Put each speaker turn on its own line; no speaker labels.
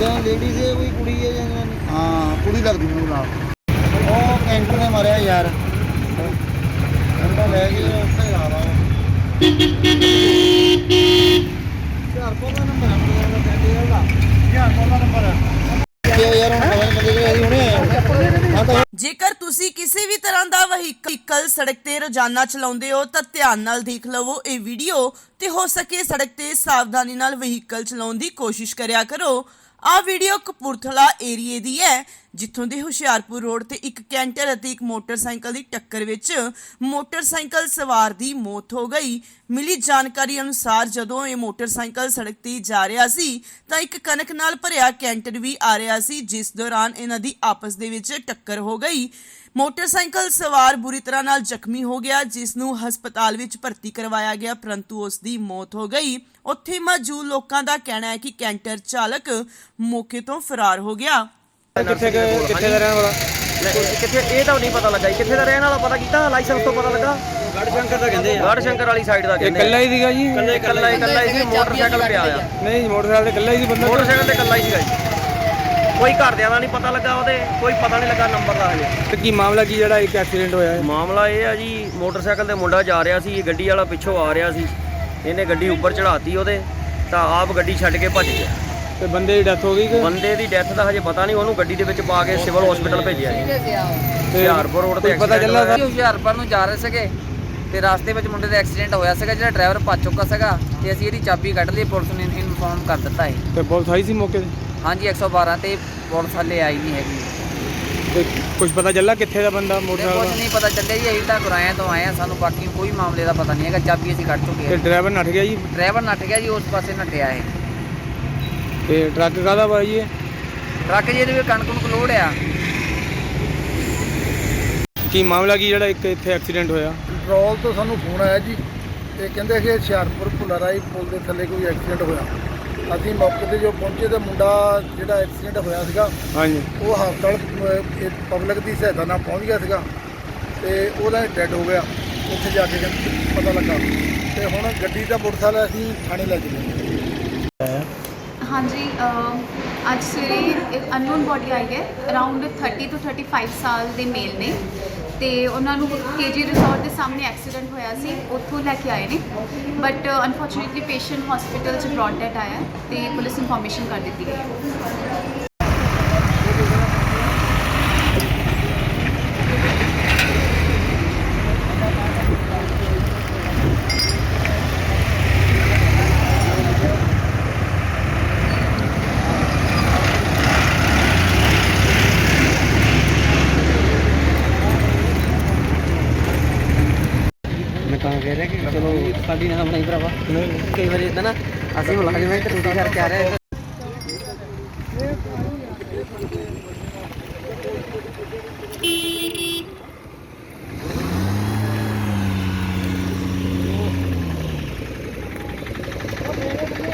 Ladies है कोई कुड़ी है या जनानी? हाँ कुड़ी लगती मेरे नाल ओ कैंटर ने मारिया यार ले गए उत्थे ला ला ਹੁਸ਼ਿਆਰਪੁਰ ਦਾ ਨੰਬਰ ਹੈ ਮੇਰਾ ਕੈਂਡੀਡੇਟ ਦਾ ਹੁਸ਼ਿਆਰਪੁਰ ਦਾ ਨੰਬਰ ਹੈ ਯਾਰ ਹੁਣ ਪਤਾ ਨਹੀਂ ਬੰਦੇ ਅਸੀਂ ਹੁਣੇ ਆਏ ਹਾਂ ਤਾਂ
ਜੇਕਰ ਤੁਸੀਂ ਕਿਸੇ ਵੀ ਤਰ੍ਹਾਂ ਦਾ ਵਹੀਕਲ ਸੜਕ ਤੇ ਰੋਜ਼ਾਨਾ ਚਲਾਉਂਦੇ ਹੋ ਤਾਂ ਧਿਆਨ ਨਾਲ ਦੇਖ ਲਵੋ ਇਹ ਵੀਡੀਓ ਤੇ ਹੋ ਸਕੇ ਸੜਕ ਤੇ ਸਾਵਧਾਨੀ ਨਾਲ ਵਹੀਕਲ ਚਲਾਉਣ ਦੀ ਕੋਸ਼ਿਸ਼ ਕਰਿਆ ਕਰੋ। ਆ ਵੀਡੀਓ ਕਪੂਰਥਲਾ ਏਰੀਏ ਦੀ ਹੈ ਜਿੱਥੋਂ ਦੇ ਹੁਸ਼ਿਆਰਪੁਰ ਰੋਡ ਤੇ ਇੱਕ ਕੈਂਟਰ ਅਤੇ ਇੱਕ ਮੋਟਰਸਾਈਕਲ ਦੀ ਟੱਕਰ ਵਿੱਚ ਮੋਟਰਸਾਈਕਲ ਸਵਾਰ ਦੀ ਮੌਤ ਹੋ ਗਈ। ਮਿਲੀ ਜਾਣਕਾਰੀ ਅਨੁਸਾਰ ਜਦੋਂ ਇਹ ਮੋਟਰਸਾਈਕਲ ਸੜਕ ਤੇ ਜਾ ਰਿਹਾ ਸੀ ਤਾਂ ਇੱਕ ਕਣਕ ਨਾਲ ਭਰਿਆ ਕੈਂਟਰ ਵੀ ਆ ਰਿਹਾ ਸੀ ਜਿਸ ਦੌਰਾਨ ਇਹਨਾਂ ਦੀ ਆਪਸ ਦੇ ਵਿੱਚ ਟੱਕਰ ਹੋ ਗਈ। ਮੋਟਰਸਾਈਕਲ ਸਵਾਰ ਬੁਰੀ ਤਰ੍ਹਾਂ ਨਾਲ ਜ਼ਖਮੀ ਹੋ ਗਿਆ ਜਿਸ ਨੂੰ ਹਸਪਤਾਲ ਵਿੱਚ ਭਰਤੀ ਕਰਵਾਇਆ ਗਿਆ ਪਰੰਤੂ ਉਸ ਦੀ ਮੌਤ ਹੋ ਗਈ। ਉੱਥੇ ਮੌਜੂਦ ਲੋਕਾਂ ਦਾ ਕਹਿਣਾ ਹੈ ਕਿ ਕੈਂਟਰ ਚਾਲਕ ਮੌਕੇ ਤੋਂ ਫਰਾਰ ਹੋ ਗਿਆ।
ਕਿੱਥੇ ਦਾ ਰਹਿਣ ਵਾਲਾ
ਕਿੱਥੇ ਇਹ ਤਾਂ ਨਹੀਂ ਪਤਾ ਲੱਗਾ ਜੀ ਕਿੱਥੇ ਦਾ ਰਹਿਣ ਵਾਲਾ ਪਤਾ ਕੀਤਾ ਲਾਇਸੈਂਸ ਤੋਂ ਪਤਾ ਲੱਗਾ
ਗੜਸ਼ੰਕਰ ਦਾ ਕਹਿੰਦੇ ਆ
ਗੜਸ਼ੰਕਰ ਵਾਲੀ ਸਾਈਡ ਦਾ ਕਹਿੰਦੇ
ਇਕੱਲਾ ਹੀ ਸੀਗਾ ਜੀ
ਇਕੱਲਾ ਹੀ ਸੀ ਮੋਟਰਸਾਈਕਲ ਪਿਆ ਆ
ਨਹੀਂ ਮੋਟਰਸਾਈਕਲ ਤੇ ਇਕੱਲਾ ਹੀ ਸੀ ਬੰਦਾ
ਮੋਟਰਸਾਈਕਲ ਤੇ ਇਕੱਲਾ ਹੀ ਸੀਗਾ ਜੀ ਕੋਈ ਘਰਦਿਆਂ ਦਾ ਨਹੀਂ ਪਤਾ ਲੱਗਾ ਉਹਦੇ ਕੋਈ ਪਤਾ ਨਹੀਂ ਲੱਗਾ ਨੰਬਰ ਦਾ ਹਜੇ
ਤੇ ਕੀ ਮਾਮਲਾ ਕੀ ਜਿਹੜਾ ਇੱਕ ਐਕਸੀਡੈਂਟ ਹੋਇਆ ਹੈ
ਮਾਮਲਾ ਇਹ ਆ ਜੀ ਮੋਟਰਸਾਈਕਲ ਤੇ ਮੁੰਡਾ ਜਾ ਰਿਹਾ ਸੀ ਗੱਡੀ ਵਾਲਾ ਪਿੱਛੋਂ ਆ ਰਿਹਾ ਸੀ ਇਹਨੇ ਗੱਡੀ ਉੱਪਰ ਚੜਾਤੀ ਉਹਦੇ ਤਾਂ ਆਪ ਗੱਡੀ ਛੱਡ ਕੇ ਭੱਜ ਗਿਆ
ਤੇ ਬੰਦੇ ਦੀ ਡੈਥ ਹੋ ਗਈ ਕਿ
ਬੰਦੇ ਦੀ ਡੈਥ ਦਾ ਹਜੇ ਪਤਾ ਨਹੀਂ ਉਹਨੂੰ ਗੱਡੀ ਦੇ ਵਿੱਚ ਪਾ ਕੇ ਸਿਵਲ ਹਸਪੀਟਲ ਭੇਜਿਆ ਜੀ ਹੁਸ਼ਿਆਰਪੁਰ ਰੋਡ ਤੇ
ਪਤਾ ਚੱਲਾ
ਹੁਸ਼ਿਆਰਪੁਰ ਨੂੰ ਜਾ ਰਹੇ ਸੀਗੇ ਤੇ ਰਸਤੇ ਵਿੱਚ ਮੁੰਡੇ ਦਾ ਐਕਸੀਡੈਂਟ ਹੋਇਆ ਸੀਗਾ ਜਿਹੜਾ ਡਰਾਈਵਰ ਭੱਜ ਚੁੱਕਾ ਸੀਗਾ ਤੇ ਅਸੀਂ ਇਹਦੀ ਚਾਬੀ ਕੱਢ ਲਈ ਪੁਲਿਸ ਨੇ ਇਨਫੋਰਮ ਕਰ ਦਿੱਤਾ ਹੈ।
ਤੇ ਪੁਲਿਸ ਆਈ ਸੀ ਮੌਕੇ ਤੇ
ਹਾਂਜੀ 112 ਤੇ ਪੁਲਿਸ ਹਾਲੇ ਆਈ ਨਹੀਂ ਹੈਗੀ
ਤੇ ਕੁਝ ਪਤਾ ਚੱਲਾ ਕਿੱਥੇ ਦਾ ਬੰਦਾ
ਤੇ
ਮੋਟਰਸਾਈਕਲ
ਕੁਝ ਨਹੀਂ ਪਤਾ ਚੱਲਿਆ ਜੀ ਅਸੀਂ ਤਾਂ ਗੁਰਾਇਆਂ ਤੋਂ ਆਏ ਆ ਸਾਨੂੰ ਬਾਕੀ ਕੋਈ ਮਾਮਲੇ ਦਾ ਪਤਾ ਨਹੀਂ ਹੈਗਾ ਚਾਬੀ ਅਸੀਂ ਕੱਢ ਚੁੱਕੇ
ਤੇ
ਹਾਂ।
ਡਰਾਈਵਰ ਨੱਠ ਗਿਆ ਜੀ
ਡਰਾਈਵਰ ਨੱਠ ਗਿਆ ਜੀ ਉਸ ਪਾਸੇ ਨੱਠਿਆ ਹੈ
ਤੇ ਟਰੱਕ ਕਾਹਦਾ ਵਾ ਜੀ ਇਹ?
ਟਰੱਕ ਜੀ ਇਹਦੇ ਵਿੱਚ ਕਣਕ ਨੂੰ ਲੋਡ ਆ।
ਕੀ ਮਾਮਲਾ ਕੀ ਜਿਹੜਾ ਇੱਕ ਇੱਥੇ ਐਕਸੀਡੈਂਟ ਹੋਇਆ?
ਕੰਟਰੋਲ ਤੋਂ ਸਾਨੂੰ ਫੋਨ ਆਇਆ ਜੀ ਇਹ ਕਹਿੰਦੇ ਕਿ ਹੁਸ਼ਿਆਰਪੁਰ ਭੁੱਲਾਰਾਈ ਪੁਲ ਦੇ ਥੱਲੇ ਕੋਈ ਐਕਸੀਡੈਂਟ ਹੋਇਆ। ਅਸੀਂ ਮੌਕੇ ਤੇ ਜੋ ਪਹੁੰਚੇ ਤਾਂ ਮੁੰਡਾ ਜਿਹੜਾ ਐਕਸੀਡੈਂਟ ਹੋਇਆ ਸੀਗਾ
ਹਾਂਜੀ
ਉਹ ਹਸਪਤਾਲ ਪਬਲਿਕ ਦੀ ਸਹਾਇਤਾ ਨਾਲ ਪਹੁੰਚ ਗਿਆ ਸੀਗਾ ਤੇ ਉਹਦਾ ਡੈਡ ਹੋ ਗਿਆ ਉੱਥੇ ਜਾ ਕੇ ਪਤਾ ਲੱਗਾ ਤੇ ਹੁਣ ਗੱਡੀ ਦਾ ਮੋਟਰਸਾਈਕਲ ਅਸੀਂ ਥਾਣੇ ਲੈ ਗਏ।
ਹਾਂਜੀ ਅੱਜ ਸਵੇਰੇ ਇੱਕ ਅਨਨੋਨ ਬੋਡੀ ਆਈ ਹੈ ਅਰਾਊਂਡ 30 ਤੋਂ 35 ਸਾਲ ਦੇ ਮੇਲ ਨੇ ਤੇ ਉਹਨਾਂ ਨੂੰ ਕੇਜੀ ਰਿਸੋਰਟ ਦੇ ਸਾਹਮਣੇ ਐਕਸੀਡੈਂਟ ਹੋਇਆ ਸੀ ਉੱਥੋਂ ਲੈ ਕੇ ਆਏ ਨੇ ਬਟ ਅਨਫੋਰਚੂਨੇਟਲੀ ਪੇਸ਼ੈਂਟ ਹਸਪੀਟਲ 'ਚ ਬ੍ਰੌਟ ਡੈਡ ਆਇਆ ਤੇ ਪੁਲਿਸ ਇਨਫੋਰਮੇਸ਼ਨ ਕਰ ਦਿੱਤੀ ਗਈ ਹੈ।
ਮੈਂ ਤਾਂ ਕਹਿ ਰਿਹਾ ਕਿ ਚਲੋ ਸਾਡੀ ਨਾ ਬਣਾਈ ਭਰਾਵਾ ਕਈ ਵਾਰੀ ਇਦਾਂ ਨਾ ਅਸੀਂ ਮੁਲਾਜ਼ਮ ਹਾਂ ਤੇ ਡਿਊਟੀ ਕਰਕੇ ਆ ਰਹੇ
ਹਾਂ